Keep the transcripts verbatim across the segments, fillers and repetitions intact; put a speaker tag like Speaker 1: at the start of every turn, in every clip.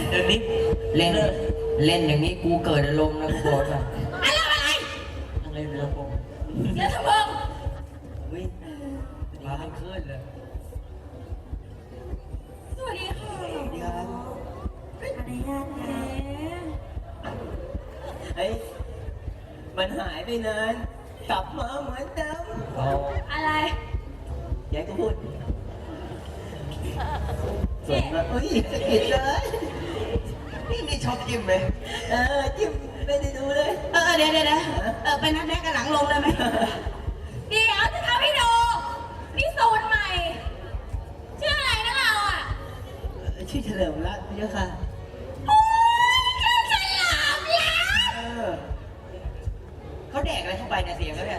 Speaker 1: เดี๋ยวนี้เล่นเล่นอย่างนี้กูเกิดอารมณ์นะกูบอกนะอะไรอะไรอะไรเรือผมเรือทำมึงวิ่งมาทั้งคืนเลย
Speaker 2: สวัสดีค่ะสวัสดีครับอะไรญาตินะ
Speaker 3: เฮ้ยมันหายไปนานกลับมาเหมือนเดิม
Speaker 2: อะไร
Speaker 3: ยายก็พูดส่วนมาเฮ้ยผิดเลยนี่มีชอบจิ้มไหมเออจิ้มไม่ได้ดูเลย
Speaker 2: เออเดี๋ยวเดี๋ยวเออไปนัดแรกกันหลังลงเลยไหมเดี๋ยวจะทำให้ดูนี่สูตรใหม่ชื่ออะไรนะเราอ่ะ
Speaker 3: ชื่อเฉลิมรัตน์พี่เจ้าค่ะ
Speaker 2: โอ้ยชื่อเฉลิมรัตน์
Speaker 1: เขาแดกอะไรเข้าไปเนี่ยเสียงเขาเนี่ย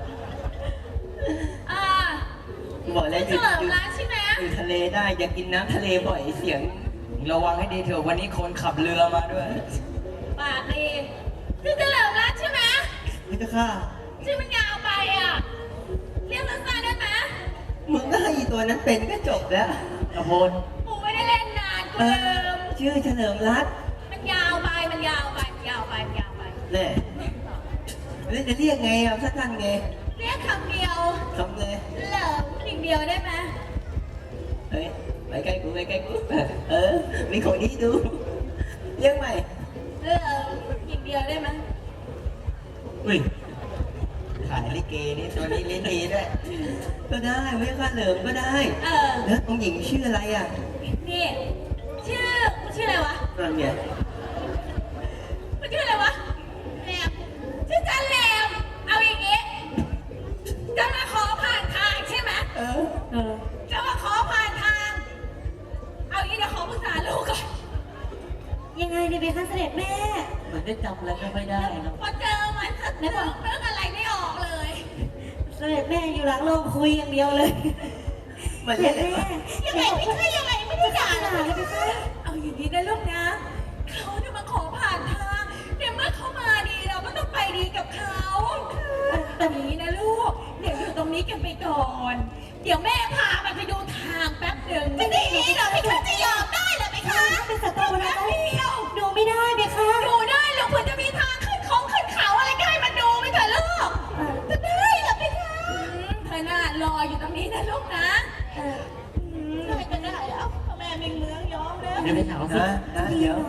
Speaker 2: อ่า
Speaker 3: บอกแล้วหยุดหยุด
Speaker 2: ใช่ไหม
Speaker 3: อยู่ทะเลได้อย่ากินน้ำทะเลบ่อยเสียง
Speaker 1: ระวังให้ดีเถอะวันนี้คนขับเรือมาด้วย
Speaker 2: ปากดีชื่อเฉลิมรัตน์ใช่ไหม
Speaker 3: พี่เจ้าค่ะ
Speaker 2: ชื่อมันยาวไปอ่ะเรียกสั้นๆได้ไหม
Speaker 3: มึงก็ให้ตัวนั้นเป็นก็จบแล้วกระโพน
Speaker 2: กูไม่ได้เล่นนานกูลืม
Speaker 3: ชื่อเฉลิมรัตน์
Speaker 2: มันยาวไปมันยาวไปยาวไปยาวไป
Speaker 3: แน่แล้วจะเรียกไงอ่ะสั้นๆไง
Speaker 2: เรียกคำเดียว
Speaker 3: คำเลย
Speaker 2: เหลิมคำเดียวได้ไหม
Speaker 3: เฮ้ยไปใกล้กูไปใกล้กูเออมีคนนี้ดูเรียกใหม่
Speaker 2: เหลิมคำเดียวได้ไหม
Speaker 3: อุ้ยขายลิเกนี่ตัวนี้ลิเกด้วยก็ได้ไม่ค่าเหลิมก็ได้
Speaker 2: เออ
Speaker 3: แล้วองค์หญิงชื่ออะไรอ่ะ
Speaker 2: นี่ชื่อชื่ออะไรวะ
Speaker 3: นั่นไง
Speaker 2: มันชื่ออะไรวะแหลมชื่อจันแหลมเอาอย่างงี้จะมาขอผ่านทางใช่ไหม
Speaker 3: เออเออ
Speaker 2: จะมาขอผ่านทางเอาอย่างงี้เดี๋ยวขอปรึกษาลูกก่อนยังไงเนี่ยเบคะเสด็จแม่
Speaker 1: เหมือนได้จำอะไรไม่ได้นะ
Speaker 2: พอเจอมันนึกนึกอะไรไม่ออกเลยเสด็จแม่อยู่หลังโรงคุยอย่างเดียวเลย
Speaker 3: เสด็จแม่
Speaker 2: ยังไงไม่ใช่ยังไงไม่ได้ด่าเลยเอาอย่างนี้นะลูกนะเขาจะมาขอผ่านทางเดี๋ยวเมื่อเขามาดีเราก็ต้องไปดีกับเขาแต่นี้นะลูกเดี๋ยวอยู่ตรงนี้กันไปก่อนเดี๋ยวแม่พามันไปดูทางแป๊บหนึ่งจะดีเหรอไม่คะจะยอมได้เหรอไม่คะเป็นศัตรูนะเดียวดูไม่ได้ไหมคะดูได้หรอกเผื่อจะมีทางขึ้นของขึ้นเขาอะไรก็ให้มันดูไม่เถอะลูกจะได้เหรอไม่คะเธอน่ารออยู่ตรงนี้นะลูกนะเออไม่จะได้แล้วแม่มีเมืองยอมแล้ว
Speaker 1: เดี๋ยวไปถามสิ
Speaker 3: เดี๋ยวน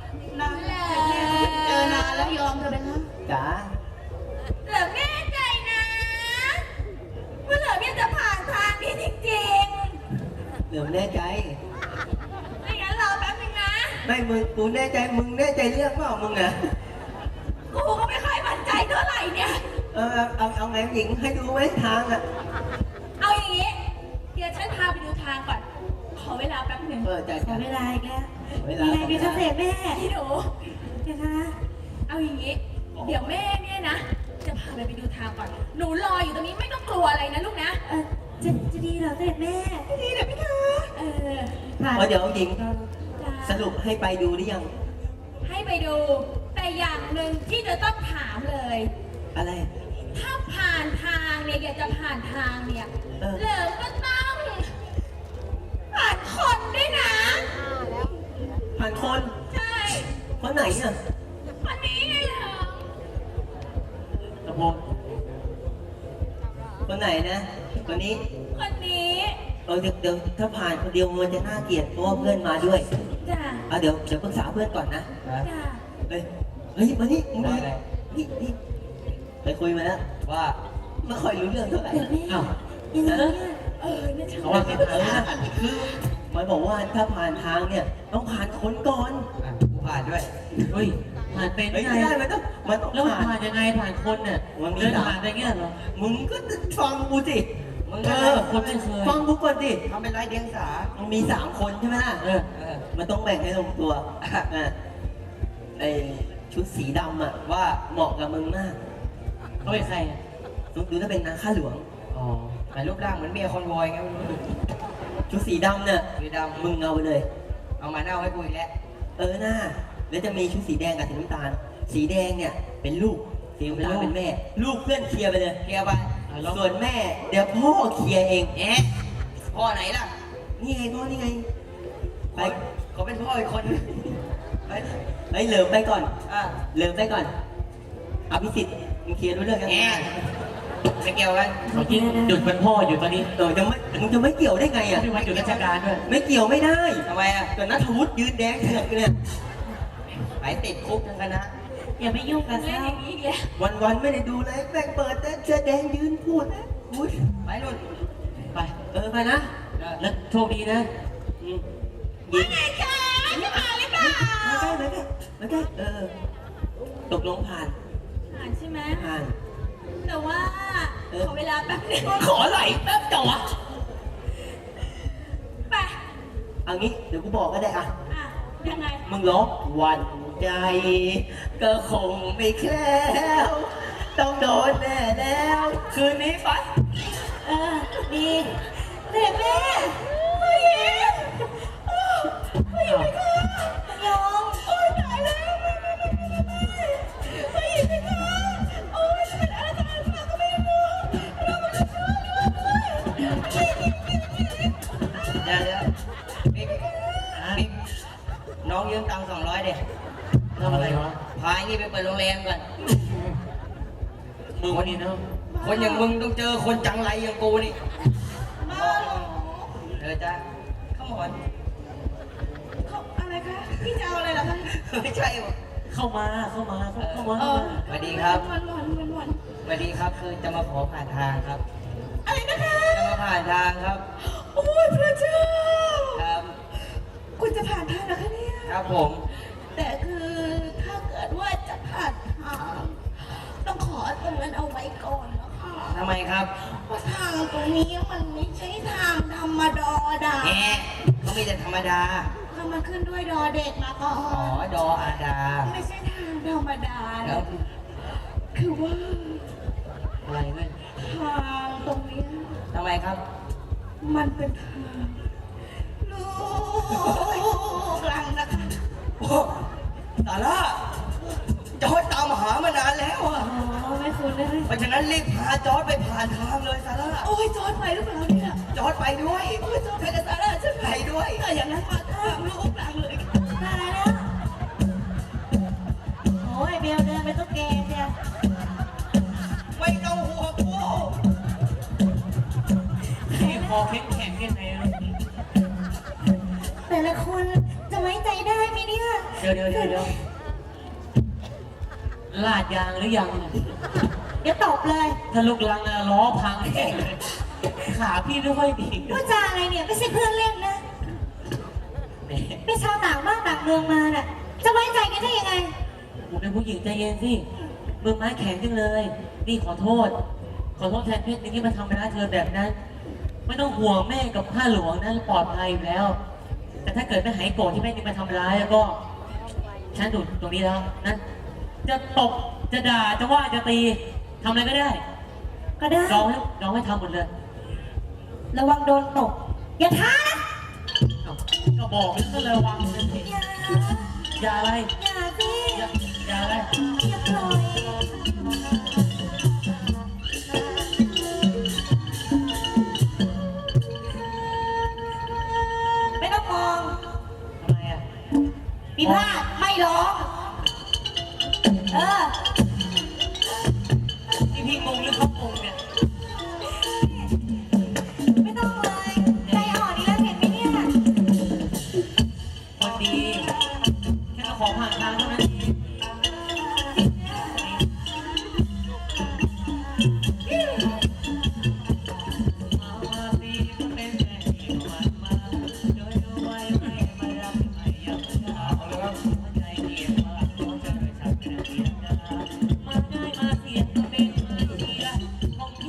Speaker 2: านแล้วเจอนานแล้วยอมเธอเป็นนะ
Speaker 3: จ๋า
Speaker 2: เหลือแม่ใจนะว่าเหลือแม่จะผ่านทางนี้จริง
Speaker 3: ๆเหลือแน่ใจ
Speaker 2: ไม่งั้นรอแป๊บนึงนะ
Speaker 3: ไม่มึงกูแน่ใจมึงแน่ใจเรื่องเปล่ามึงอะ
Speaker 2: กูก็ไม่ค่อยมั่นใจเท่าไหร่เนี่ย
Speaker 3: เออเอาเอาไงหญิงให้ดูไว้ทางอะ
Speaker 2: เอาอย่างงี้เดี๋ยวฉันพาไปดูทางก่อนขอเวลาแป๊บหนึ่ง
Speaker 3: เออใจ
Speaker 2: ขอเวลาอีกแล้ว
Speaker 3: เวลา
Speaker 2: ไงพี่เกษตรแม่พี่หนูเดี๋ยวนะเอาอย่างงี้เดี๋ยวแม่เนี่ยนะจะพาไปไปดูทางก่อนหนูรออยู่ตรงนี้ไม่ต้องกลัวอะไรนะลูกนะเออจะจะดีเหรอเสด็จแม่ดีเหรอพี่คะเออ
Speaker 3: พอเดี๋ยวหญิงสรุปให้ไปดูหรือยัง
Speaker 2: ให้ไปดูแต่อย่างหนึ่งที่จะต้องถามเลย
Speaker 3: อะไร
Speaker 2: ถ้าผ่านทางเนี่ยอยากจะผ่านทางเนี่ยเหลิมก็ต้องผ่านคนด้วยนะ
Speaker 3: ผ่านคน
Speaker 2: ใช่
Speaker 3: คนไหนอ่ะ
Speaker 2: คนนี้ไงเหรอ
Speaker 1: ตะโพน
Speaker 3: คนไหนนะคนนี้
Speaker 2: คนนี้
Speaker 3: เออเดี๋ยวเดี๋ยวถ้าผ่านคนเดียวมันจะน่าเกลียดเพราะว่าเพื่อนมาด้วย
Speaker 2: จ้า
Speaker 3: เอาเดี๋ยวเดี๋ยวปรึกษาเพื่อนก่อนนะ
Speaker 2: จ้า
Speaker 3: เฮ้ยเฮ้ยมานี่มึงมานี่นี่ไปคุยมาแล้ว
Speaker 1: ว่า
Speaker 3: ไม่ค่อยรู้เรื่องเท่าไหร่
Speaker 2: อ้าวยังไงเออเนี่ยเขาว่า
Speaker 3: เป็นอะไรนะคือมันบอกว่าถ้าผ่านทางเนี่ยต้องผ่านคนก่อน
Speaker 1: กูผ่านด้วยเฮ้ยผ่านเป็น
Speaker 3: ไงได้มันต้องมันต้อง
Speaker 1: แล้วผ่านยังไงผ่านคนเนี่ย
Speaker 3: มันมี
Speaker 1: ผ่านได้เงี้ยเหรอ
Speaker 3: มึงก็ฟังกูสิ
Speaker 1: มึงก็คนไม่เคย
Speaker 3: ฟังกูก่อนสิ
Speaker 1: ทำเป็นไรเดียงสา
Speaker 3: มันมีสามคนใช่ไหมล่ะเออมันต้องแบ่งให้ลงตัวอ่ะไอชุดสีดำอ่ะว่าเหมาะกับมึงมาก
Speaker 1: เขาเป็นใครอ่ะ
Speaker 3: ดูถ้าเป็นนางข้าหลวง
Speaker 1: อ๋อแต่รูปร่างเหมือนเมียคอนวอยไง
Speaker 3: ชุดสีดำเนี่ย
Speaker 1: สีดำ
Speaker 3: มึงเอาไปเลย
Speaker 1: เอามาเน่าให้กูอีกแล้ว
Speaker 3: เออหน้าแล้วจะมีชุดสีแดงกับสีน้ำตาลสีแดงเนี่ยเป็นลูกสีน้ำตาลเป็นแม่ลูกเพื่อนเคลียร์ไปเลย
Speaker 1: เคลียร์ไป
Speaker 3: ส่วนแม่เดี๋ยวพ่อเคลียร์เอง
Speaker 1: เอ๊ะพ่อไหนล่ะ
Speaker 3: นี่ไงพ่อนี่ไง
Speaker 1: ไปเขาเป็นพ่ออีกคน
Speaker 3: เฮ้ยเหลิมไปก่อน
Speaker 1: อ่ะ
Speaker 3: เหลิมไปก่อนอภิสิทธิ์มึงเคลียร์รู้เรื่องยัง
Speaker 1: แหมไม่เกี่ยวกัน
Speaker 4: เมื่อกี้หยุดเป็นพ่ออยู่ตอนนี้
Speaker 3: เออจะไม่มึงจะไม่เกี่ยวได้ไงอ่ะ
Speaker 4: ไม่วันหยุดราชการด้วย
Speaker 3: ไม่เกี่ยวไม่ได้
Speaker 1: ทำไมอ่ะ
Speaker 3: แต่นัทวุฒิยืนแดงเถือกอยู่เนี่ย
Speaker 1: ไปติดคุกทั้งคณะ
Speaker 2: อย่าไปยุ่งกับเขาอีกแล้ว
Speaker 3: วันวันๆไม่ได้ดูเลยแม่งเปิดแต่เสื้อแดงยืนพูดพูด
Speaker 1: ไปนู่น
Speaker 4: ไป
Speaker 3: เออไปนะ
Speaker 4: แล้วโชคดีนะ
Speaker 3: อืม
Speaker 2: ว่าไงคะจะมาหรือเปล่า
Speaker 3: มาใกล้มาใกล้มาใกล้เออตกลงผ่าน
Speaker 2: ผ่านใช่ไหม
Speaker 3: ผ่าน
Speaker 2: แต่ว่า
Speaker 3: เออ
Speaker 2: ขอเวลาแป๊บนึง
Speaker 1: ขอไหลแป๊บจ่อ
Speaker 2: ไป
Speaker 3: เอางี้เดี๋ยวกูบอกก็ได้อ่ะ
Speaker 2: อ่ะยังไง
Speaker 3: มึงร้องวันใจ ก็คงไม่แคล้วต้องโดนแน่แล้ว คืนนี้ไป
Speaker 2: เออดีเด็กแม่ผู้หญิงผู้หญิงไปค่ะยองโอ้ยตายแล้วไม่ไม่ไม่ไม่ไม่ผู้หญิงไปค่ะโอ้ยจะเป็นอะไรกันมาก็ไม่รู้เราไม่รู้เลยผู้หญิง
Speaker 1: เดี๋ยวเดี๋ยวบิ๊กบิ๊กน้องยืมตังค์สองร้อยเด็
Speaker 4: ทำอะไรวะ
Speaker 1: พาไอ้นี่ไปเปิดโรงแรมก่อน
Speaker 4: มึงวันนี้นะ
Speaker 1: คนอย่างมึงต้องเจอคนจังไรอย่างกูนี่
Speaker 2: บ้าเหรอ
Speaker 1: เออจ้าเข้ามาก่อน
Speaker 2: เขาอะไรคะพี่จะเอาอะไรเหรอคะ
Speaker 1: ไม่ใช่หรอ
Speaker 4: เข้ามาเข้ามาเข้ามา
Speaker 2: เออ
Speaker 1: สวัสดีครับ
Speaker 2: วันวันวันวัน
Speaker 1: สวัสดีครับ คือจะมาขอผ่านทางครับ
Speaker 2: อะไรนะคะ
Speaker 1: จะมาผ่านทางครับ
Speaker 2: โอ้ยพระเจ้า
Speaker 1: ครับ
Speaker 2: คุณจะผ่านทางเหรอคะเนี่ย
Speaker 1: ครับผม
Speaker 2: แต่คือถ้าเกิดว่าจะผ่านทางต้องขอตรงนั้นเอาไว้ก่อนนะคะ
Speaker 1: ทำไมครับ
Speaker 2: เพราะทางตรงนี้มันไม่ใช่ทางธรรมดาดา
Speaker 1: แหมเขามีแต่ธรรมดา
Speaker 2: ถ้ามันขึ้นด้วยดอเด็กมาก่อ
Speaker 1: อ๋อน ดออาดา
Speaker 2: ไม่ใช่ทางธรรมดา
Speaker 1: แล้
Speaker 2: นะ
Speaker 1: ว
Speaker 2: คือว่า
Speaker 4: อะไรเว้ย
Speaker 2: ทางตรงเนี้ย
Speaker 1: ทำไมครับ
Speaker 2: มันเป็นทางลูกหลังนะคะ
Speaker 1: โอ้สาระจอร์จตามหามานานแล้วอะ
Speaker 2: อ๋อไม่คุ้นเลย
Speaker 1: เพราะฉะนั้นรีบพาจอร์จไปผ่านทางเลยสาระ
Speaker 2: โอ้ยจอดไปหรือเปล่าเนี่ย
Speaker 1: จอร์จไปด้วย
Speaker 2: โอ้ยจอดไปกับซาร่าใช่ไหม
Speaker 1: ไปด้วย
Speaker 2: ถ้าอย่างนั้นมาทางลูกหลังเลยค่ะตายแล้วโอ้ยเบลเดินไปตุ๊กแกเนี่ย
Speaker 1: ไม่ต้องห่วงกู
Speaker 4: พี่คอแข็งแข็งยังไงนะ
Speaker 2: แต่ละคนจะไว้ใจได้ไหมเนี่ย
Speaker 4: เดี๋ยวเดี๋ยวเดี๋ยวเดี๋ยวลาดยางหรือยัง
Speaker 2: เดี๋ยวตบเลย
Speaker 4: ถ้าลูกลังอะล้อพังแน่เลยขาพี่ไม่ค่อยดี
Speaker 2: พูดจาอะไรเนี่ยไม่ใช่เพื่อนเล่นนะ
Speaker 4: แหม
Speaker 2: เป็นชาวต่างบ้านต่างเมืองมาน่ะ จะไว้ใจกันได้ยังไง
Speaker 4: กูเป็นผู้หญิงใจเย็นสิมือไม้แข็งจังเลย นี่ขอโทษ ขอโทษแทนเพชรที่มาทำร้ายเธอแบบนั้น ไม่ต้องห่วงแม่กับข้าหลวงนะปลอดภัยอยู่แล้ว แต่ถ้าเกิดไม่หายโกรธที่แม่นี่มาทำร้ายแล้วก็ ฉันดูตรงนี้แล้วนะ จะตบจะด่าจะว่าจะตีทำอะไรก็ได้
Speaker 2: ก็ได้
Speaker 4: น้องให้น้องให้ทำหมดเลย
Speaker 2: ระวังโดนตบอย่าท้านะ
Speaker 4: เอ้าก็บอกแล้วก็ระวังเลยสิ
Speaker 2: อย่า
Speaker 4: อย่าอะไร
Speaker 2: อย่าสิ
Speaker 4: อย่าอย่าอะไร
Speaker 2: อย่าปล่อยไม่ต้องมอง
Speaker 4: ทำไมอ่ะ
Speaker 2: มีพลาดไม่ร้อง เออ
Speaker 4: นี่พี่งงหรือเขางงเนี่ย
Speaker 2: ไม่ต้องเลยใจอ่อนนี่แล้วเห็นไหมเนี่ย
Speaker 4: คนดีแค่มาขอผ่านทางเท่านั้นเองมาสิก็เป็นแค่ที่หวานมาโดยดูไว้ไม่มารักไม่อยากจะเอาแล้วหัวใจเกียดว่าเขาจะโดยฉันเป็นเพียงดามาได้มาเสียงก็เป็นมาเสียของเธ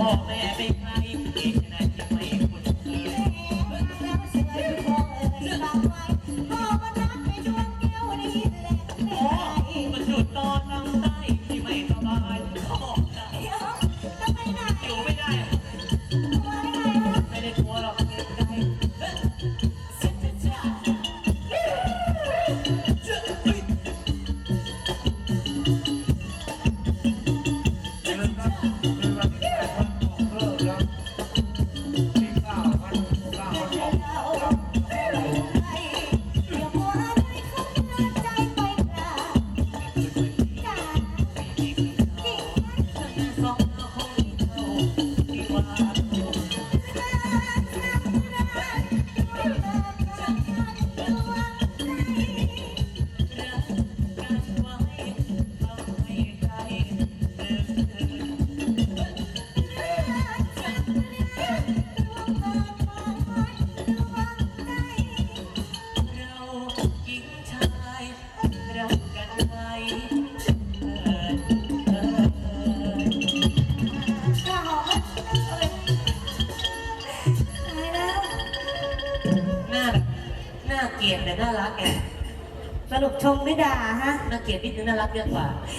Speaker 4: พ่อแม่เป็นใครที่ขนาดจะไม่คุ้นเคย
Speaker 2: แล้วเสืออยู่คงเอ่ยฝากไว้พ่อมารักในดวงแก้วนี้แหละไม่
Speaker 4: โอ้
Speaker 2: ได้
Speaker 4: มันจุดตอนลำไส้ที่ไม่สบายเขาบอกจะ
Speaker 2: เดี๋ยวจะไปไหน
Speaker 4: อยู่ไม่ได้
Speaker 2: มาได้ไงวะ
Speaker 4: ไม่ได้กลัวหรอกเกรงใจ
Speaker 2: เสียจะจ้า
Speaker 5: เป็นวันเป็นวันที่แปดวันออกเลิกแล้วที่เก้าวันเก้าวันออก
Speaker 2: เราไปอย่ามัวอะไรเข้าเดินใจไปกราบจ้าจริงไหม
Speaker 4: สองคงเขาที่ว่า รักกันไว้ทำให้ใจเดินเดินเราหญิงชายรักกันไว้เถิดเถิด หน้าแบบน่าเกลียดแต่น่ารักไง
Speaker 2: สรุปชมไม่ด่าฮะ
Speaker 4: น่าเกลียดนิดนึงน่ารักเยอะกว่า